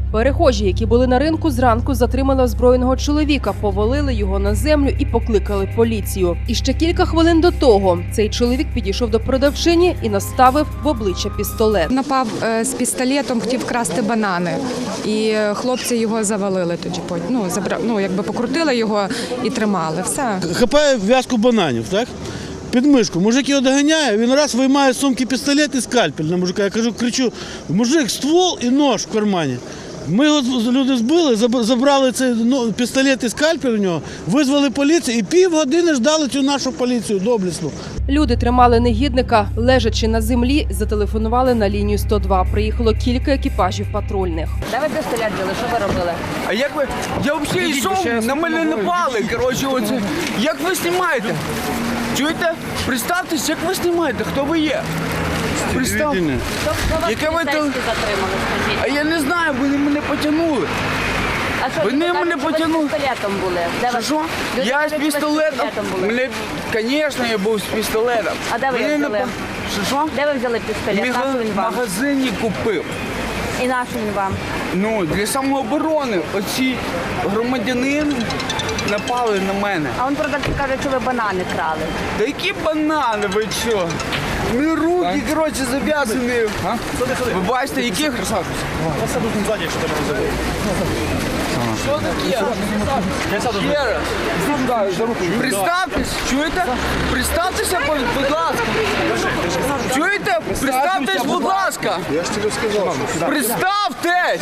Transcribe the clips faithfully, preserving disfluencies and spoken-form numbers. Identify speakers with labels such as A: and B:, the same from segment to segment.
A: Перехожі, які були на ринку, зранку затримали озброєного чоловіка, повалили його на землю і покликали поліцію. І ще кілька хвилин до того цей чоловік підійшов до продавчині і наставив в обличчя пістолет.
B: Напав е, з пістолетом, хотів красти банани, і хлопці його завалили тоді. Ну, забра... ну якби покрутили його і тримали. Все.
C: Хапає в'язку бананів, так? Під мишку. Мужик його доганяє, він раз виймає з сумки пістолет і скальпель на мужика. Я кажу, кричу: мужик, ствол і нож в кармані. Ми його люди збили, забрали цей пістолет і скальпель у нього, визвали поліцію і півгодини ждали цю нашу поліцію доблесну.
A: Люди тримали негідника, лежачи на землі, зателефонували на лінію сто два. Приїхало кілька екіпажів патрульних.
D: Де ви пістолет взяли? Що ви робили?
E: А як ви? Я взагалі йшов, на мене напали. Коротше, оце. Як ви знімаєте? Чуєте? Представтесь, як ви знімаєте, хто ви є? Представ...
D: Хто, хто вас
E: Яке ви
D: поліцейські
E: то-
D: затримали, скажіть?
E: А я не знаю, вони мене потягнули.
D: А що,
E: Вони
D: люди кажуть,
E: мене
D: що ви
E: потягнули.
D: з пістолетом були? Де ви-
E: Що?
D: Люди
E: Я
D: кажуть,
E: з
D: що ви
E: пістолетом.
D: були.
E: Мене, звісно, я був з пістолетом.
D: А де ви
E: Мене
D: його
E: не
D: взяли?
E: по- Що, що?
D: Де ви взяли пістолет?
E: Міг-
D: Нашу він
E: В
D: вам?
E: магазині купив.
D: І нашу він вам?
E: Ну, для самооборони. Оці громадянин напали на мене.
D: А він продавці каже, що ви банани крали.
E: Да які банани, ви що? Ми руки, коротше, зав'язані. Ви бачите, яких? Що таке? Ще раз. Представтесь, чуєте? Представтеся, будь будь ласка. Чуєте? Представтесь, будь ласка.
F: Я ж тобі сказав, що
E: Представтесь!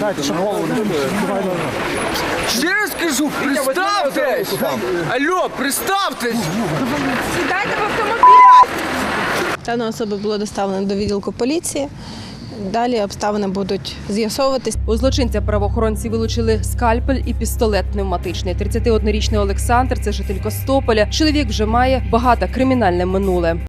E: Ще раз кажу, представтесь! Алло, представтесь!
B: Сідайте в автомобіль!
G: Дана особа було доставлено до відділку поліції. Далі обставини будуть з'ясовуватись.
A: У злочинця правоохоронці вилучили скальпель і пістолет пневматичний. тридцятиоднорічний Олександр – це житель Костополя. Чоловік вже має багато кримінальне минуле.